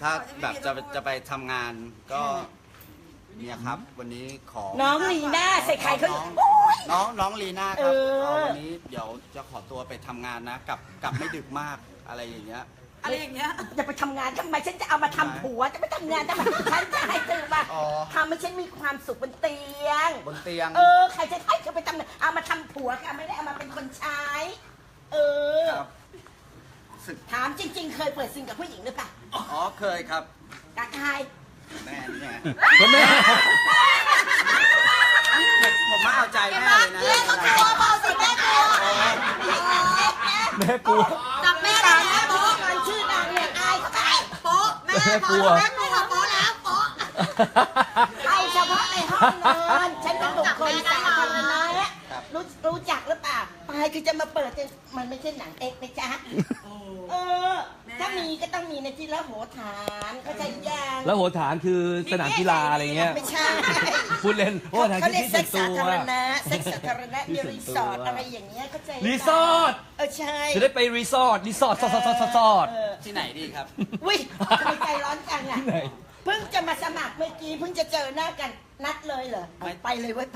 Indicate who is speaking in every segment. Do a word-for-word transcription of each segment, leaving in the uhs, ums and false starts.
Speaker 1: ถ้าแบบจะจะไปทำงานก็เนี่ยครับวันนี้ขอ
Speaker 2: น้องลีน่าใส่ไข่เขา
Speaker 1: น้อง
Speaker 2: โอ้ย
Speaker 1: น้องน้องลีน่าครับ
Speaker 2: เออ
Speaker 1: เอาวันนี้เดี๋ยวจะขอตัวไปทำงานนะกลับกลับไม่ดึกมากอะไรอย่างเงี้ย
Speaker 3: อะไรอย่างเงี้ย
Speaker 2: จะไปทำงานทำไมฉันจะเอามาทำผัวจะไปทำงานทำไมฉันจะให้เธอมา
Speaker 1: อ๋อ
Speaker 2: ทำให้ฉันมีความสุขบนเตียง
Speaker 1: บนเตียง
Speaker 2: เออใครจะให้เธอไปทำงานเอามาทำผัวค่ะไม่ได้เอามาเป็นคนใช้ เออ
Speaker 1: ครับสึก
Speaker 2: ถามจริง ๆ เคยเปิดซิงกับผู้หญิงหรือเปล่า
Speaker 1: อ๋อเคยครับ
Speaker 2: กับใคร
Speaker 1: แม่เนี่ย
Speaker 4: คุณแม่
Speaker 1: ผมมาเอาใจแม่เลยนะ
Speaker 3: แม่ก็กลัวเบาสิแม่กลัว
Speaker 4: แม่กลัว
Speaker 3: จับแม่
Speaker 2: ตา
Speaker 3: ได้
Speaker 2: ย
Speaker 3: แล้
Speaker 2: แล้ว
Speaker 3: ว
Speaker 2: โป๊ะมันชื่อนางเนี่ยอายเขาไป
Speaker 3: โป๊ะแม่
Speaker 4: แม่
Speaker 3: พ
Speaker 4: กลั
Speaker 3: อ
Speaker 4: ว
Speaker 3: แม่กลัวโป๊ะแล้วโป๊ะ
Speaker 2: เอาเฉพาะในห้องนอนฉันเป็นบุคคลสาธารณะรู้รู้จักหรือเปล่าปายคือจะมาเปิดจะมันไม่ใช่หนังเอกนะจ๊ะเออ ถ้ามีก็ต้องมีในที่ละโหฐานเข้าใจยัง
Speaker 4: แล้วโหฐานคือสนามกีฬาอะไรเงี้ย
Speaker 2: ไม่ใช่
Speaker 4: พูดเล่นโหฐาน
Speaker 2: เขา
Speaker 4: คือ
Speaker 2: เรียก
Speaker 4: ที่
Speaker 2: เซ็
Speaker 4: ส่
Speaker 2: ก
Speaker 4: วน
Speaker 2: สา
Speaker 4: ตัว
Speaker 2: ธารณะเซ็กสาธารณะมีรีสอร์ทอะไรอย่างเงี้ยเข้าใจหเปล่า
Speaker 4: รีสอร์ท
Speaker 2: เออใช่
Speaker 4: จะได้ไปรีสอร์ทรีสอร์ทสอดสอดสอดสอด
Speaker 2: เออ
Speaker 1: ที่ไหนดีครับ
Speaker 2: วิทำไมใจร้อนจังอ่ะ
Speaker 4: ที่ไหน
Speaker 2: เพิ่งจะมาสมัครเมื่อกี้เพิ่งจะเจอหน้ากันนัดเลยเหรอ
Speaker 1: ไม่
Speaker 2: ไปเลยไว้ยไป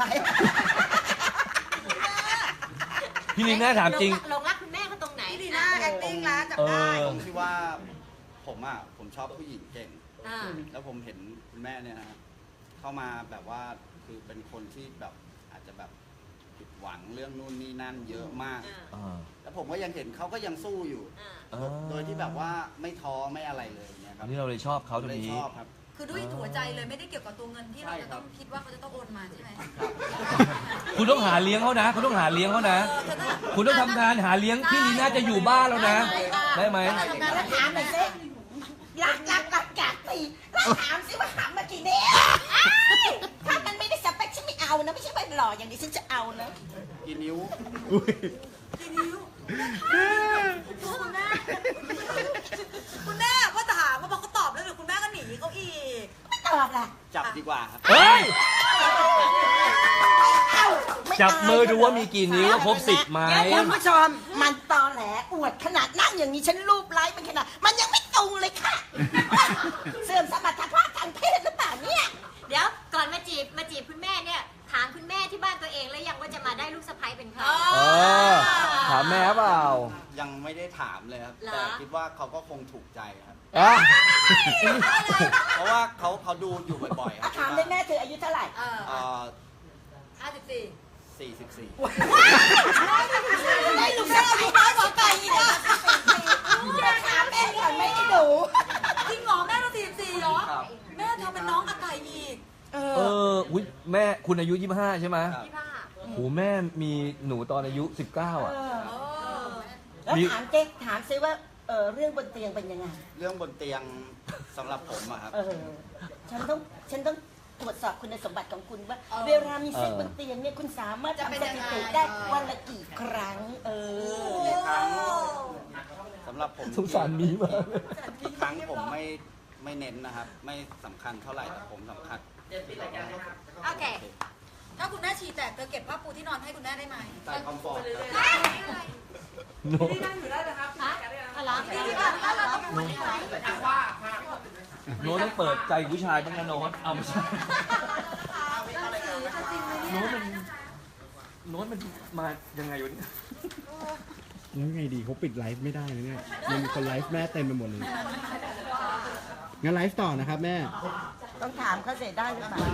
Speaker 4: พี่ลิงน่าถามจริง
Speaker 3: หลงรักคุณแม่เขาตรงไหน
Speaker 5: พี่ดีน่า acting แล้วจับ
Speaker 4: เอ
Speaker 5: ได้
Speaker 4: อ
Speaker 1: ตรงที่ว่าผมอ่ะผมชอบผู้หญิงเก่ง
Speaker 3: อ่า
Speaker 1: แล้วผมเห็นคุณแม่เนี่ยนะเข้ามาแบบว่าคือเป็นคนที่แบบอาจจะแบบผิดหวังเรื่องนู่นนี่นั่นเยอะมาก
Speaker 4: อ่า
Speaker 1: แล้วผมก็ยังเห็นเขาก็ยังสู้อยู่
Speaker 4: อ่า
Speaker 1: โดยที่แบบว่าไม่ท้อไม่อะไรเลยเนี่ยค
Speaker 4: อั
Speaker 1: รั
Speaker 4: น
Speaker 1: บ
Speaker 4: นี้เราเลยชอบเขาตรง
Speaker 1: เลย
Speaker 4: นี้
Speaker 1: ชอบครับ
Speaker 5: คือด้วยหัวใจเลยไม่ได้เกี่ยวกับตัวเงินที่เรา
Speaker 1: ใช่
Speaker 5: จะ
Speaker 1: ครั
Speaker 5: ต้อบ งคิดว่าเขาจะต้องโอนมาใช่ไหม
Speaker 4: คุณต้องหาเลี้ยงเขานะ คุณต้องหาเลี้ยงเขานะ คุณต้องทำงานหาเลี้ยงพี่ลีน่าจะอยู่บ้านแล้วนะ ได้ไหม
Speaker 2: แล้วถามหน่อยสิรักรักรักกาตีแล้วถามสิว่าหำมากี่นิ้วถ้ามันไม่ได้สเปคฉันไม่เอานะไม่ใช่ว่าหล่ออย่างนี้ฉันจะเอานะ
Speaker 1: กี่นิ้ว
Speaker 5: กี่นิ้วคุณแม่คุณแม่ว่าถามว่าพอเขาตอบแล้วเดี๋ยวคุณแม่ก็หนีเขาอีก
Speaker 2: ไม่ตอบล่ะ
Speaker 1: จับดีกว่าครับ
Speaker 4: เฮ้ย
Speaker 2: เอ้าไ
Speaker 4: จับมือดูว่ามีกี่นิ้วว่าครบสิบไหม
Speaker 2: เดี๋ยวคุณผู้ชมมันตอแหลอวดขนาดนั่งอย่างนี้ฉันรูปไลฟ์มันขนาดมันยังไม่ตรงเลยค่ะ เสื่อมสมรรถภาพทางเพศหรือเปล่าเนี่ย
Speaker 3: เดี๋ยวก่อนมาจีบมาจีบคุณแม่เนี่ยถามคุณแม่ที่บ้านตัวเองแล้วยังว่าจะมาได้ลูกสะใภ้เป็นใคร
Speaker 4: เออ ถามแม่เปล่า
Speaker 1: ยังไม่ได้ถามเลยครับ
Speaker 3: เหรอ
Speaker 1: แต่คิดว่าเขาก็คงถูกใจครับ
Speaker 4: อ่ะ
Speaker 1: เพราะว่าเขาเขาดูอยู่บ่อยๆครั
Speaker 2: อ่ะ
Speaker 1: บ
Speaker 2: ถามเลยแม่เธออายุเท่าไหร่
Speaker 5: เออ
Speaker 1: เอ่อ
Speaker 5: ห้าสิบสี่
Speaker 1: สี่สิบสี่
Speaker 2: ได้ลูกสาวอายุน้อยกว่าไก่อีกอ่ะเดี๋ยวถามแม่ก่อนไม่ได้ดู
Speaker 5: จริงเหรอแม่ต้องสี่สิบสี่เหรอ
Speaker 1: ครับ
Speaker 5: แม่เธอเป็นน้องอาไก่อีก
Speaker 2: เอ
Speaker 4: เอ
Speaker 2: อ
Speaker 4: ออุ๊ยแม่คุณอายุยี่สิบห้าใช่ไหม
Speaker 1: ครับ
Speaker 3: พี่ผ้า
Speaker 4: โหแม่มีหนูตอนอายุสิบเก้าอ่ะ
Speaker 5: เออ
Speaker 2: แล้ว
Speaker 4: มี
Speaker 2: ถามเจ๊ถามซิว่าเออเรื่องบนเตียงเป็นยังไง
Speaker 1: เรื่องบนเตียงสำหรับผมอะครับ
Speaker 2: เออ ฉันต้องฉันต้องตรวจสอบคุณสมบัติของคุณว่า
Speaker 5: เออ
Speaker 2: เวลามีเซ็กบนเตียงเนี่ยคุณสามารถ
Speaker 5: จะ
Speaker 2: ทำ
Speaker 5: เป็น
Speaker 2: ส
Speaker 5: ยัง
Speaker 2: ถิ
Speaker 5: ไง
Speaker 2: ติได้วันละกี่ครั้ง เออ
Speaker 1: กี่ครั้งสำหรับผม
Speaker 4: สงสารมีมาก
Speaker 1: ครั้งผมไม่ไม่เน้นนะครับ ไม่สำคัญเท่าไหร่แต่ผมสำคัญ
Speaker 3: โอเค
Speaker 5: ถ้าคุณแม่ฉี่แตกเธอเก็บผ้าปูที่นอนให้คุณแม่ได้ไหม
Speaker 1: ใส่คอมฟอร์ตครับ
Speaker 4: โน้ต
Speaker 3: อะไรพี่ผ้าแล้วเราต้องพูดอะไร
Speaker 4: โน้ตต้องเปิดใจผู้ชายบ้างนะโน้ตเอาไม่ใช่โน้ตมันโน้ตมันมายังไงวะเนี่ย
Speaker 6: แล้วไงดีเขาปิดไลฟ์ไม่ได้เลยเนี่ยมันมีคนไลฟ์แม่เต็มไปหมดเลยงั้นไลฟ์ต่อนะครับแม่
Speaker 2: ต้องถามเขาเสร็จได้หรือเปล่า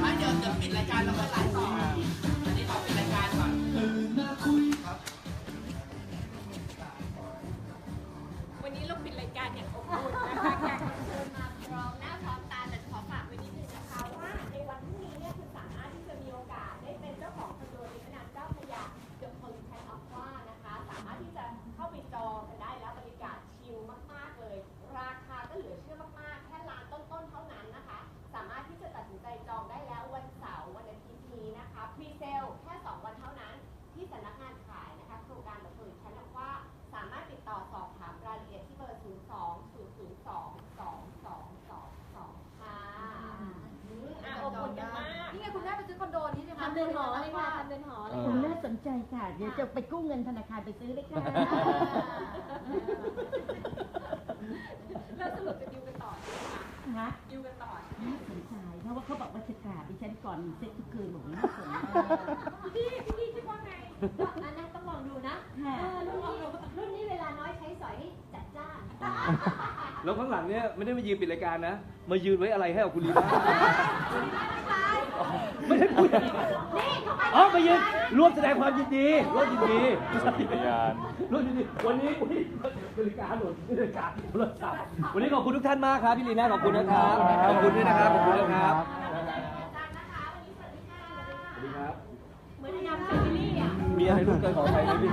Speaker 7: วันนี้เราปิดรายการอย่างอบอุ่นนะคะแขกรับเชิญมาพร้อมหน้าพร้อมตาแต่ขอฝากไว้นิดนึงนะคะว่าในวันพรุ่งนี้เนี่ยคุณสามารถที่จะมีโอกาสได้เป็นเจ้าของคอนโดริมแม่น้ำเจ้าพระยาเดอะพอลิแทนออฟว่านะคะ สามารถที่จะเข้าไปจองกันได้แล้วบรรยากาศชิลมากๆเลย ราคาก็เหลือเชื่อมากๆ แค่ล้านต้นๆเท่านั้นนะคะ สามารถที่จะตัดสินใจจองได้แล้ววันเสาร์วันอาทิตย์นี้นะคะพรีเซลแค่สองวันเท่านั้นที่สำนักงานขายนะคะโครงการเดอะพอลิแทนออฟว่าสามารถติดต่อสอบถามรายละเอียดที่เบอร์ ศูนย์ สอง ศูนย์ ศูนย์ สอง สอง สอง สอง สอง ค่ะอืมอ่ะอบอุ่นกันมาก
Speaker 5: นี่ไงคุณแม่ไปซื้อคอนโดนี้ใช่ไหม
Speaker 7: ทำเดินหอเลยค่ะทำเดินหอเลย
Speaker 2: คุณ
Speaker 7: ค่ะ
Speaker 2: แม่สนใจค่ะ เดี๋ยวจะไปกู้เงินธนาคารไปซื้อเลยค่ะ
Speaker 7: แล้วสรุปจะดิวกันต่อใช่ไหมคะอยู่กันต่อ
Speaker 2: น่าสนใจเพราะว่าเขาบอกว่าจะกราบดิฉันก่อนเซ็กทุกคืนบอกว่าน่าสนใจ
Speaker 7: พี่พี่คิดว่าไง
Speaker 3: อันนั้นต้องลองดูนะ
Speaker 2: ค่ะ
Speaker 3: เออรุ่นนี้รุ่นนี้เวลาน้อยใช้สอยให้จัดจ้าน
Speaker 4: แล้วข้างหลังเนี่ยไม่ได้มายืนปิดรายการนะ มายืนไว้อะไรให้กับคุณลีน่าไม่ได้คุยกันอ๋อมายืนร่วมแสดงความยินดีร่วมยินดีร่วมยินดีวันนี้วันนี้นาฬิกาหล่นนาฬิกาโทรศัพท์วันนี้ขอบคุณทุกท่านมากครับพี่ลีน่าขอบคุณนะครับขอบคุณด้วยนะครับขอบคุณนะครับสวัสดีครับ
Speaker 7: เหมือนยำเซอร์รี่อ่ะ
Speaker 4: มีอะไรรู้เกินของใครไหมพี่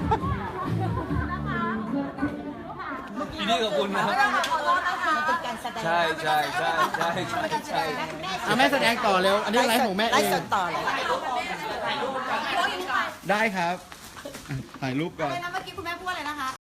Speaker 4: พี่นี่ขอบคุณนะ
Speaker 5: ขอโทษนะคะ
Speaker 2: มันเป็นการแสดง
Speaker 4: ใช่ใช่ใช่ใช่ใช่ใช่
Speaker 6: อ่ะแม่แสดงต่อเร็ว อันนี้ไลฟ์ของแม่
Speaker 2: ไล
Speaker 6: เอง
Speaker 2: ฟ์สดต่อเลย
Speaker 6: ได้ครับอ่ะถ่ายรูปก่อน
Speaker 5: อะไรนะเมื่อกี้